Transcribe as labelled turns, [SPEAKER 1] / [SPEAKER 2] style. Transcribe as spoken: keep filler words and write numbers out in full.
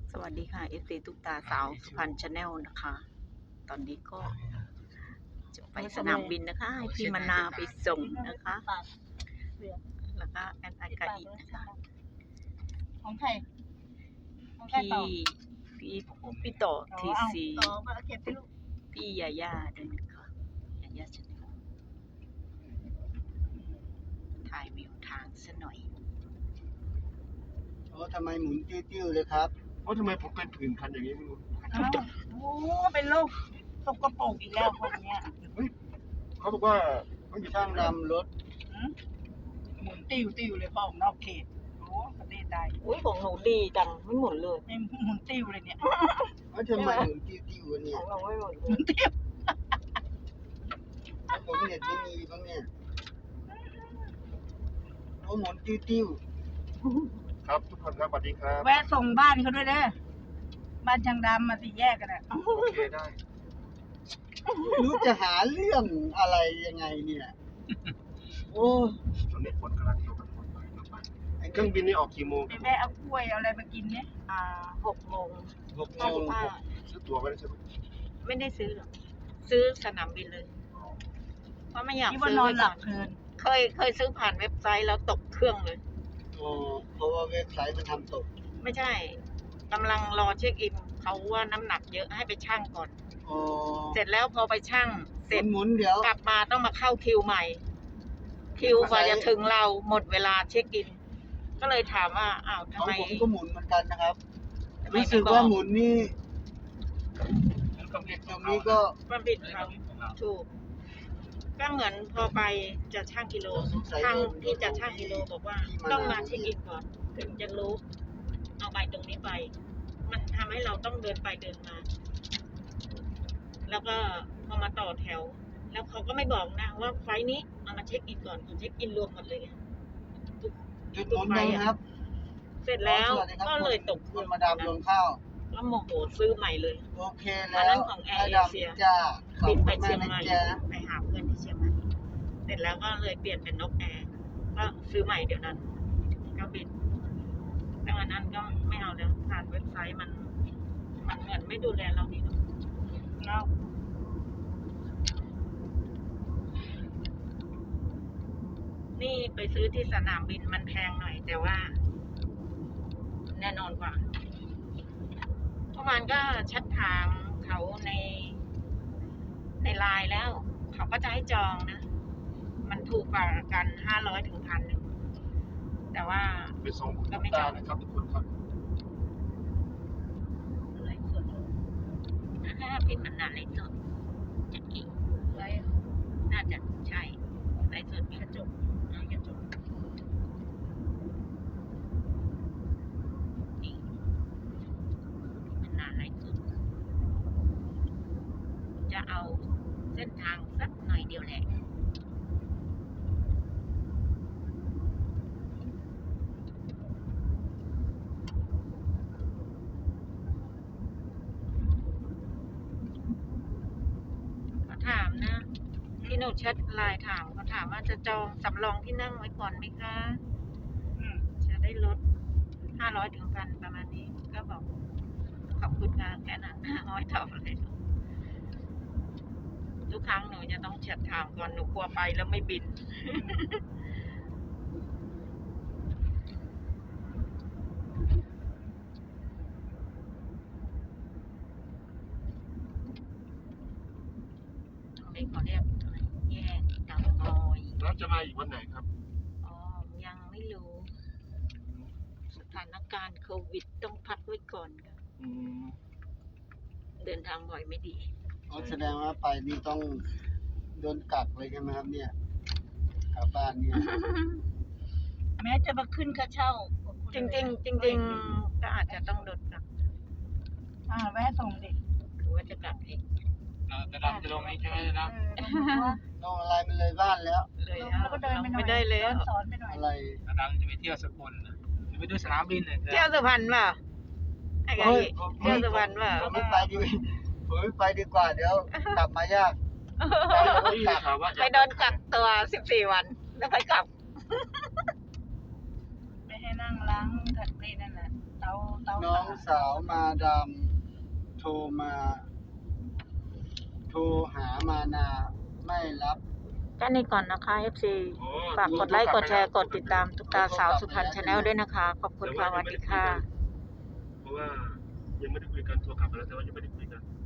[SPEAKER 1] สวัสดีค่ะ เอฟ ซี ตุ๊กตาสาวสุพรรณชาแนลนะคะ ตอนนี้ก็จะไปสนามบินนะคะ ให้พี่มนาไปส่งนะคะ แล้วก็แอนไอกาอีนะคะ
[SPEAKER 2] ของใครของใคร
[SPEAKER 1] พี่
[SPEAKER 2] ต่อ
[SPEAKER 1] พี่พี่ต่อที
[SPEAKER 2] เอา
[SPEAKER 1] ซี
[SPEAKER 2] ต่อมาเก็บไปลูก
[SPEAKER 1] พี่ยาย่าด้วยนะคะยาย่าชาแนลถ่ายวิวทางซะหน่อย
[SPEAKER 3] โอ้ทำไมหมุนติ้วๆเลยครับ
[SPEAKER 4] เพราะทำไมผมเป็นผื่นคันอย่างนี้ไม่รู้
[SPEAKER 2] อ้าวโอ้เป็นโรคสกปรกอีกแล้วคนเนี้ย
[SPEAKER 4] เขาบอกว่าเขาอยู่
[SPEAKER 3] ช่างดำรถ
[SPEAKER 2] หืมหมุนติ้วติ้วเลยพ่อผมนอกเขตโอ้ประเทศใด
[SPEAKER 1] อุ้ยของหนูดีจังไม่หมุนเลย
[SPEAKER 2] นี่หมุนติ้วเลยเนี่ย
[SPEAKER 3] เอ้าทำไมหมุนติ้วๆวะเนี่
[SPEAKER 1] ข
[SPEAKER 3] ย
[SPEAKER 1] องเราไม่หมุนเล
[SPEAKER 2] หมุ
[SPEAKER 1] ย
[SPEAKER 2] นติ้ว
[SPEAKER 3] ผมเน็ตไม่มีบ้างเนี่ยโอ้หมุนติ้ว
[SPEAKER 4] ครับทุกคนครับสวัสดีครับ
[SPEAKER 2] แวะส่งบ้านเขาด้วยเด้อบ้านช่างดำมาสี่แยกกันอ่ะ
[SPEAKER 4] โอเคได้
[SPEAKER 3] ๆไม่รู้จะหาเรื่องอะไรยังไงเนี่ยโอ้
[SPEAKER 4] ตอนนี้ฝนกำลังตกฝนไปไปเครื่องบินนี่ออกกี่โมง
[SPEAKER 2] ไปแวะเอากล้วยเอาอะไรมากินเนี่ย
[SPEAKER 1] อ่าหกโมง
[SPEAKER 3] หกโม
[SPEAKER 1] ห้าสิ
[SPEAKER 3] ง
[SPEAKER 1] บห้า
[SPEAKER 4] ซื้อตั๋วไว้แล้วใช่ไหม
[SPEAKER 1] ไม่ได้ซื้อหรอกซื้อสนามบินเลย เพราะไม่อยาก
[SPEAKER 2] ที่ว่า
[SPEAKER 1] ซื้อน
[SPEAKER 2] อน
[SPEAKER 1] ไว้
[SPEAKER 2] ห
[SPEAKER 1] ก่
[SPEAKER 2] ลั
[SPEAKER 1] อบ น
[SPEAKER 2] เพลิน
[SPEAKER 1] เคยเคยซื้อผ่านเว็บไซต์แล้วตกเครื่องเลย
[SPEAKER 3] โอ้เพราะว่าเว็บไซต์มันทำตก
[SPEAKER 1] ไม่ใช่กำลังรอเช็คอินเขาว่าน้ำหนักเยอะให้ไปชั่งก่อน
[SPEAKER 3] โอ้
[SPEAKER 1] เสร็จแล้วพอไปชั่งเสร็จ
[SPEAKER 3] หมุนๆเดี๋ยว
[SPEAKER 1] กลับมาต้องมาเข้าคิวใหม่ คิวกว่าจะถึงเราหมดเวลาเช็คอิน ก็เลยถามว่าอ้าว
[SPEAKER 3] ข
[SPEAKER 1] ทำ
[SPEAKER 3] อง
[SPEAKER 1] ไม
[SPEAKER 3] ผมก็หมุนเหมือนกันนะครับ
[SPEAKER 1] ทำไม
[SPEAKER 3] รู้สึ
[SPEAKER 1] ไม่
[SPEAKER 3] ก
[SPEAKER 1] บอ
[SPEAKER 3] ว่าก หมุนนี่ตรงนี้ก็
[SPEAKER 1] ความผิดเขาถูก ก็เหมือนพอไปจะช่างกิโลช่างที่จะช่างกิโลบอกว่าต้องมาเช็คอินก่อนถึงจะรู้เอาใบตรงนี้ไป มันทำให้เราต้องเดินไปเดินมา แล้วก็พอมาต่อแถว แล้วเขาก็ไม่บอกนะว่าไฟล์นี้เอามาเช็คอินก่อนเขาเช็คอินรวมหมดเลยไง
[SPEAKER 3] หยุดหมุนยังครับ
[SPEAKER 1] เสร็จแล้ว
[SPEAKER 3] สสดีครับ
[SPEAKER 1] ก็เลยตก
[SPEAKER 3] คุณมาดามลงข้าว
[SPEAKER 1] แล้วโมโหซื้อใหม่เลย
[SPEAKER 3] โอเค
[SPEAKER 1] อั
[SPEAKER 3] แล้
[SPEAKER 1] นนั้
[SPEAKER 3] วน
[SPEAKER 1] ของแอร์
[SPEAKER 3] มาดาม
[SPEAKER 1] เอเชีย
[SPEAKER 3] จ้าขอบ
[SPEAKER 1] บิน
[SPEAKER 3] คุ
[SPEAKER 1] ไป
[SPEAKER 3] ณ
[SPEAKER 1] เชี
[SPEAKER 3] มาย
[SPEAKER 1] ง
[SPEAKER 3] ก
[SPEAKER 1] ใหม่
[SPEAKER 3] นะจ๊ะ
[SPEAKER 1] ไปหาเพื่อนที่เชียงใหม่ เสร็จแล้วก็เลยเปลี่ยนเป็นนกแอร์ก็ซื้อใหม่เดี๋ยวนั้น ก็บินแต่วันนั้นก็ไม่เอาแล้วผ่านเว็บไซต์มัน มันเหมือนไม่ดูแลเราดีเนาะ
[SPEAKER 2] เนาะ
[SPEAKER 1] นี่ไปซื้อที่สนามบินมันแพงหน่อย แต่ว่า แน่นอนกว่าเมื่อวานก็แชทถามเขาในในไลน์แล้ว เขาก็จะให้จองนะ มันถูกกว่ากันห้าร้อยถึงพันหนึ่งแต่ว่า
[SPEAKER 4] ไปส่งคุณตุ๊กตานะครับทุกคนครับ
[SPEAKER 1] อะไรสดถ้าเป็นมันนานไรสดจะกี่
[SPEAKER 2] ไร
[SPEAKER 1] น่าจะใช่ไรสดมีกระจกมีกระจกนี่มันนานไรสดจะเอาเส้นทางสักหน่อยเดียวแหละเขาถามนะที่หนูแชทไลน์ถามเขาถามว่าจะจองสำรองที่นั่งไว้ก่อนไหมคะ
[SPEAKER 2] อืม
[SPEAKER 1] จะได้ลดห้าร้อยถึงพันประมาณนี้ ก็บอกขอบคุณค่ะแค่นั้นน้อยตอบเลยทุกครั้งหนูจะต้องแชทถามก่อนหนูกลัวไปแล้วไม่บิน นี่เขาเรียกอะไรแยกเตางอย
[SPEAKER 4] แล้วจะมาอีกวันไหนครับ
[SPEAKER 1] อ๋อ ยังไม่รู้ สถานการณ์โควิดต้องพักไว้ก่อนค่ะ
[SPEAKER 4] อืม
[SPEAKER 1] เดินทางบ่อยไม่ดี
[SPEAKER 3] อ๋อแสดงว่าไปนี่ต้องโดนกักเลยใช่ไหมครับเนี่ยกลับบ้านเนี่ย
[SPEAKER 2] แม้จะมาขึ้นค่าเช่า
[SPEAKER 1] จริงๆจริงๆก็อาจจะต้องโดนกลับ
[SPEAKER 2] อ่าแวะส่งดิ
[SPEAKER 1] หรือว่าจะกลับเอง
[SPEAKER 4] จะดำจะลงนี้ใช่ไหมนะ
[SPEAKER 2] เออลง
[SPEAKER 3] ต้องอะไรมันเลยบ้านแล้ว
[SPEAKER 1] เลย
[SPEAKER 2] แล้วก็เดินไปหน่อย
[SPEAKER 1] ไม่ได้เลย
[SPEAKER 2] เดินสอนไปหน่อย
[SPEAKER 3] อะไร
[SPEAKER 4] ดำจะไปเที่ยวสกลจะไปดูสนามบินเลย
[SPEAKER 1] เที่ยวสุพรรณเปล่าไอ้ไง
[SPEAKER 3] เฮ้ย
[SPEAKER 1] เที่ยวสุพรรณเปล่า
[SPEAKER 3] ผมไม่ไปดีผมไม่ไปดีกว่าเดี๋ยวกลับมายากไปแล้วก็กลับ
[SPEAKER 1] ไปโดนกักตัวสิบสี่วัน แล้วไปกลับ
[SPEAKER 2] ไม่ให้นั่งล้างกับนี่นั่นแหละเตาาเตา
[SPEAKER 3] น้องสาวมาดามโทรมา โทรหามานาไม่รับ
[SPEAKER 1] แค่นี้ก่อนนะคะ เอฟ ซี ฝากกดไลค์ กดแชร์ กดติดตามตุ๊กตาสาวสุพรรณชาแนลด้วยนะคะ ขอบคุณค่ะสวัสดีค่ะ
[SPEAKER 4] เพราะว่ายังไม่ได้คุยกันโทรกลับไปแล้วแต่ว่ายังไม่ได้คุยกัน